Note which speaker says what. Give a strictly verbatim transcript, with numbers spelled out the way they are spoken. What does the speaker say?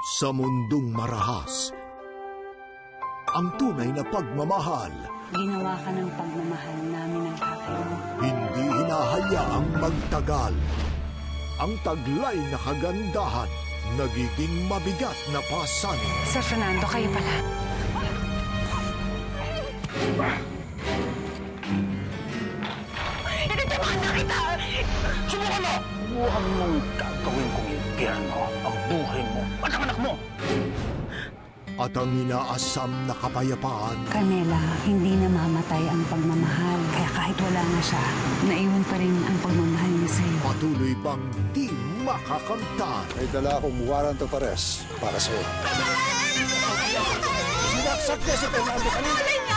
Speaker 1: Sa mundong marahas, ang tunay na pagmamahal
Speaker 2: Ginawa ka ng pagmamahal namin ng tatay mo.
Speaker 1: hindi hinahayaang magtagal. Ang taglay na kagandahan nagiging mabigat na pasanin.
Speaker 2: Sir Fernando, kayo pala.
Speaker 3: Tinitamaan na kita! Subukan mo! Subukan mong gagawin kong impyerno ang buhay mo at ang anak mo!
Speaker 1: At ang inaasam na kapayapaan
Speaker 2: Carmela, hindi namamatay ang pagmamahal. Kaya kahit wala na siya, naiwan pa rin ang pagmamahal niya sa'yo.
Speaker 1: patuloy pang di makakamtan.
Speaker 4: May dala akong warrant of arrest para sa'yo.
Speaker 3: Sinaksak niya si Fernando kanina!